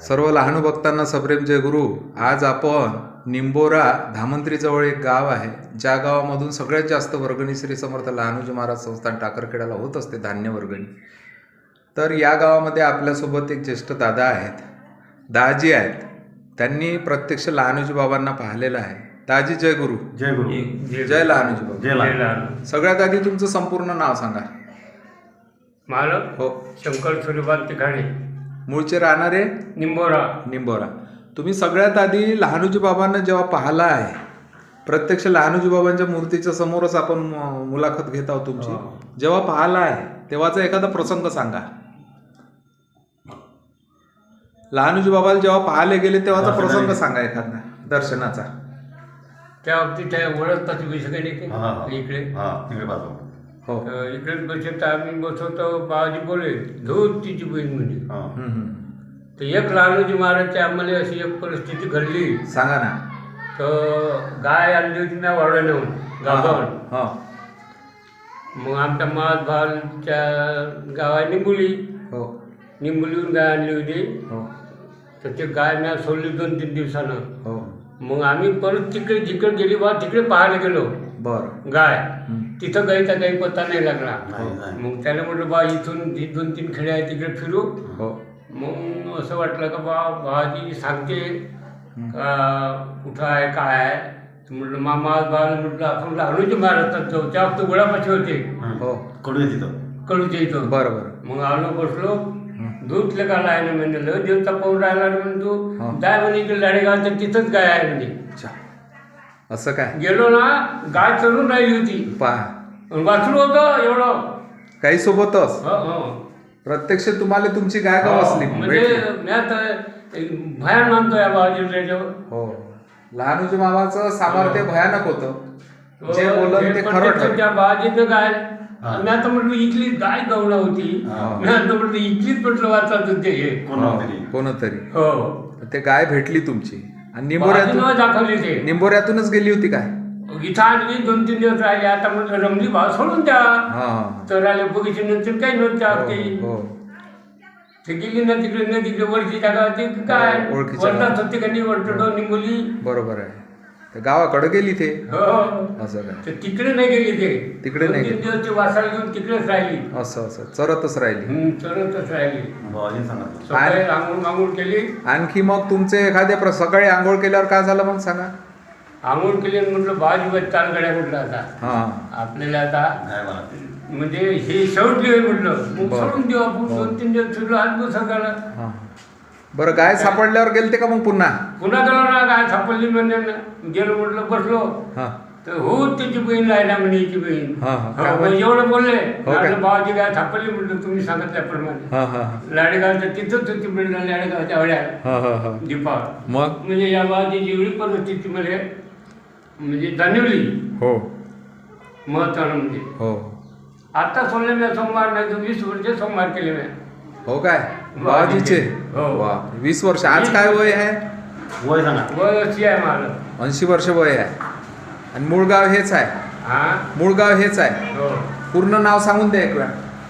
सर्व लहानू भक्तांना सप्रेम जय गुरु. आज आपण निंबोरा धामंत्रीजवळ एक गाव आहे, ज्या गावामधून सगळ्यात जास्त वर्गणी श्री समर्थ लहानूजी महाराज संस्थान टाकरखेड्याला होत असते, धान्य वर्गणी. तर या गावामध्ये आपल्यासोबत एक ज्येष्ठ दादा आहेत, दाजी आहेत. त्यांनी प्रत्यक्ष लहानूजी बाबांना पाहिलेलं आहे. दाजी जय गुरु. जय गुरु. जय लहानूजी बाबा. जय लहानू. सगळ्यात आधी तुमचं संपूर्ण नाव सांगा. मालक हो. शंकर सूर्यकांत तिघाणे, मूळचे राहणारे निंबोरा. निंबोरा. तुम्ही सगळ्यात आधी लहानूजी बाबांना जेव्हा पाहिला आहे, प्रत्यक्ष लहानूजी बाबांच्या मूर्तीच्या समोरच आपण मुलाखत घेत आहोत तुमची, जेव्हा पाहिला आहे तेव्हाचा एखादा प्रसंग सांगा. लहानूजी बाबाला जेव्हा पाहायला गेले तेव्हाचा प्रसंग सांगा एखादा दर्शनाचा. त्या बाबतीत त्या ओळखतात विषय इकडे हो. इकडेच बसत आम्ही बसवतो. बाबाजी बोले धूत तिची बहीण म्हणजे. तर एक लहानूजी महाराजची आम्हाला अशी एक परिस्थिती घडली. सांगा ना. तर गाय आणली होती ना वाडा नेऊन गावावर. हो. मग आमच्या महाभालच्या गावा निंबुली. हो. निंबुलीहून गाय आणली होती. हो. तर ते गाय मी सोडली 2-3 दिवसानं. हो. मग आम्ही परत तिकडे जिकडे गेली बा तिकडे पाहायला गेलो. बर. गाय तिथं गायचा काही पत्ता नाही लागला. नाही. मग त्याला म्हटलं बा इथून 2-3 खेडे आहे तिकडे फिरू. हो. मग असं वाटलं का बा बाबाजी सांगते का कुठं आहे काय आहे. तर म्हटलं मामा बाबाला म्हटलं आपण लहानूजी महाराजात जाऊ. त्या वक्त गुळापाशी होते. हो. कडूच्या इथं. बरं बरं. मग आलो बसलो. दूधले का आहे ना म्हणलं देवता पाहून राहिला म्हणतो जाय म्हणे इकडे लाडेगाव तर तिथंच गाय आहे म्हणे. असं काय. गेलो ना गाय चढून राहिली होती. पहा, वाचलो होतं एवढं काही सोबतच हो. प्रत्यक्ष तुम्हाला तुमची गाय का बसली म्हणजे मी आता भयान मानतो या बाबाजी. हो. लहानूजी मामाचं सामर्थ्य भयानक होतं. जे बोलत ते खरं ठरलं. त्या बाबाजीचं गाय मी आता म्हटलं इथलीच गाय गवळा होती. मी आता म्हटलं इथलीच म्हटलं वाचत होते हे कोणतरी. हो. ते गाय भेटली तुमची आणि बाबाजीनं दाखवली ते. निंबोऱ्यातूनच गेली होती काय. इथं आणली 2-3 दिवस राहिले. आता म्हटलं रमली भाव सोडून द्या. तर आले बघितली नंतर काही नव्हत्या अगदी. ते गेली ना तिकडे ना तिकडे वरची जागा होती काय वरणात होती का नाही वरटो निंबोली. बरोबर आहे. ते गावाकडे गेली ते. हो. असं काय. तर तिकडे नाही गेली ते. तिकडे नाही 2-3 दिवस ते वासाला घेऊन तिकडेच राहिली. असं चरतच राहिली. चरतच राहिली. सांगा. सकाळी आंघोळ केली. आणखी मग तुमचे एखाद्या सकाळी आंघोळ केल्यावर काय झालं मग सांगा. आंघोळ केली आणि म्हटलं बाजी चाल गड्या म्हटलं आता आपल्याला आता म्हणजे हे शेवटली आहे म्हटलं. मग सोडून देऊ आपण. 2-3 दिवस फिरलो आज सकाळला. बरं. गाय सापडल्यावर गेलते का मग पुन्हा गेलो ना गाय सापडली म्हणजे गेलो म्हटलं बसलो. तर हो त्याची बहीण राहिला म्हणे हिची बहीण. एवढं बोलले बाबाची गाय सापडली म्हटलं तुम्ही सांगितल्याप्रमाणे. लाडेगावच्या तिथंच होती बिल्ड लाडेगावच्या हड्या दीपावर. मग म्हणजे या बाबाची जेवढी परिस्थिती मध्ये म्हणजे जाणवली. हो. महत्वानं म्हणजे हो. आता सोडले मी सोमवार नाही तर 20 वर्ष सोमवार केले मी. हो काय. बाबाजीचे. वा. 20 वर्ष. आज काय वय आहे. वय सांगा. वय अशी आहे मला 80 वर्ष वय आहे. आणि मूळ गाव हेच आहे. मूळ गाव हेच आहे. हो. पूर्ण नाव सांगून द्या एक वेळा.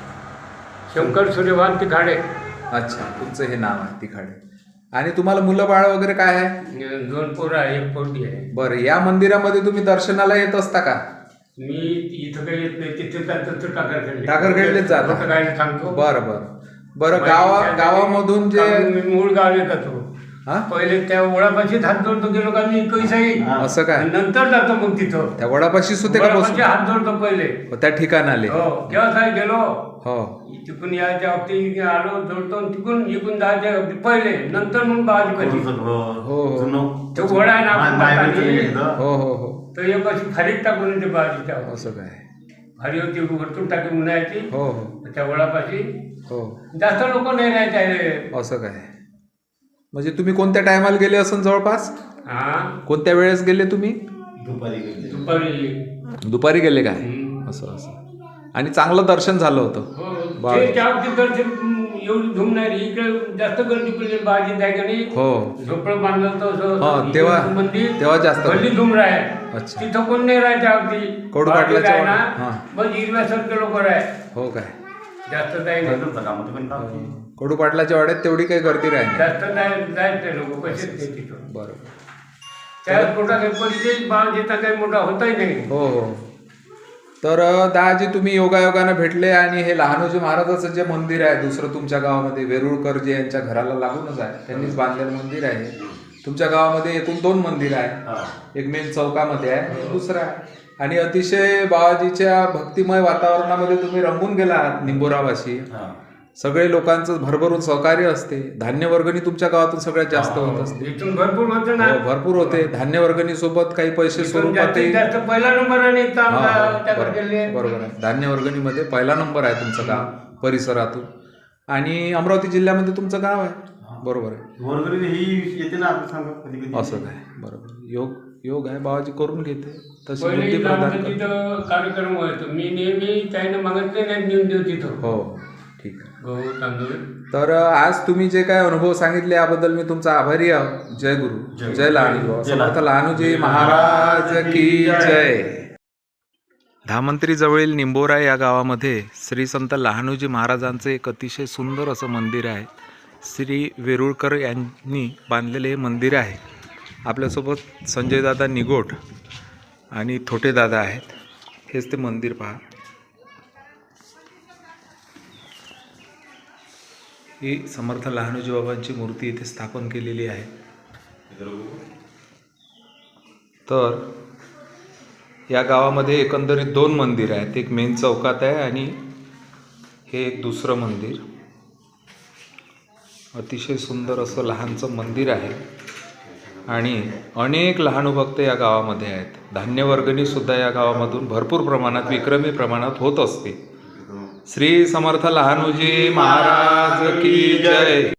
शंकर सूर्यकांत तिघाणे. अच्छा. तुमचं हे नाव आहे तिखाडे. आणि तुम्हाला मुलं बाळ वगैरे काय आहे. 2 पोरं आहे 1 पोरगी आहे. बरं. या मंदिरामध्ये तुम्ही दर्शनाला येत असता का. मी इथं काही येत नाही. तिथे जातो टाकरखेडलेच जातो. काय सांगतो. बरं. गावामधून जे मी मूळ गाव येतो. पहिले त्या वडापाशीच हात जोडतो गेलो का मी कैसाही. असं काय. नंतर जातो मग तिथं त्या वडापाशीच होते का बसून. हात जोडतो पहिले त्या ठिकाणाले. हो. केव्हा काय गेलो. हो. तिकून यायच्या वक्ती आलो जोडतो तिकून इकून जायच्या वक्ती पहिले नंतर मग बाजू कशी तो वडा आहे ना. हो. तर एक अशी खारीक टाकून येते बाजूच्या. असं काय. भारी होती वरतून टाकी उन्हायची. हो. त्या वडापाशी. हो. जास्त लोक नाही राहायचे. असं काय. म्हणजे तुम्ही कोणत्या टायमाला गेले असन जवळपास. कोणत्या वेळेस गेले तुम्ही. दुपारी गेले काय. असं. आणि चांगलं दर्शन झालं होतं. दर्शन एवढी धूम नाही. इकडे जास्त गर्दी पडली बाजी आहे का नाही. हो. झोपडं बांधलं होतं तेव्हा जास्त गर्दी धूम राहे. अच्छा. तिथं कोण नाही राहायचं अगदी. कडू आहे ना बस 20 लोक राहे. हो काय. जास्त काही नाही. कडू पाटलाच्या वाड्यात तेवढी काही गर्दी राहिली जास्त जायचं लोक पैसेच नाही तिथं. बरोबर. त्या मोठा काही परिचय बाळाजीचा काही मोठा होताही नाही. हो हो. तर दाजी तुम्ही योगायोगानं भेटले आणि हे लहानोजी महाराजाचं जे मंदिर आहे दुसरं तुमच्या गावामध्ये वेरुळकर जे यांच्या घराला लागूनच आहे त्यांनीच बांधलेलं मंदिर आहे. तुमच्या गावामध्ये एकूण 2 मंदिर आहे, एक मेन चौकामध्ये आहे, दुसरं आहे. आणि अतिशय बाबाजीच्या भक्तिमय वातावरणामध्ये तुम्ही रंगून गेला आहात निंबोरावाशी. सगळे लोकांचं भरभरून सहकार्य असते. धान्य वर्गणी तुमच्या गावातून सगळ्यात जास्त होत असते. इथून भरपूर होतं ना. हो, भरपूर होते. धान्य वर्गणी सोबत काही पैसे स्वरूपातही जास्त पहिला नंबर आणि बरोबर आहे. धान्य वर्गणीमध्ये पहिला नंबर आहे तुमचं गाव परिसरातून. आणि अमरावती जिल्ह्यामध्ये तुमचं गाव आहे. बरोबर आहे. वर्गणी ही येते ना आपण सांगा कधी कधी. असं काय. बरोबर. योग आहे बाबाजी करून घेते तशी पहिले बुद्धी प्रदान करते. तिथं कार्यक्रम व्हायचो. मी नेहमी त्याने मागितले नाही नेऊन देऊ तिथं. हो ठीक आहे. गहू तांदूळ. तर आज तुम्ही जे काय अनुभव सांगितले याबद्दल मी तुमचा आभारी आहो. जय गुरु, जय लहानू. समर्थ लहानूजी महाराज की जय. धामंत्री जवळील निंबोरा या गावामध्ये श्री संत लहानूजी महाराजांचे एक अतिशय सुंदर असं मंदिर आहे. श्री वेरुळकर यांनी बांधलेले हे मंदिर आहे. आपल्यासोबत संजयदादा निगोट आणि थोटेदादा आहेत. हेच ते मंदिर पहा. ही समर्थ लहानूजी बाबांची मूर्ती इथे स्थापन केलेली आहे. तर या गावामध्ये एकंदरीत 2 मंदिर आहेत. एक मेन चौकात आहे आणि हे एक दुसरं मंदिर. अतिशय सुंदर असं लहानचं मंदिर आहे आणि अनेक लहानुभक्त या गावामध्ये आहेत. धान्य वर्गणीसुद्धा या गावामधून भरपूर प्रमाणात विक्रमी प्रमाणात होत असते. श्री समर्थ लहानूजी महाराज की जय.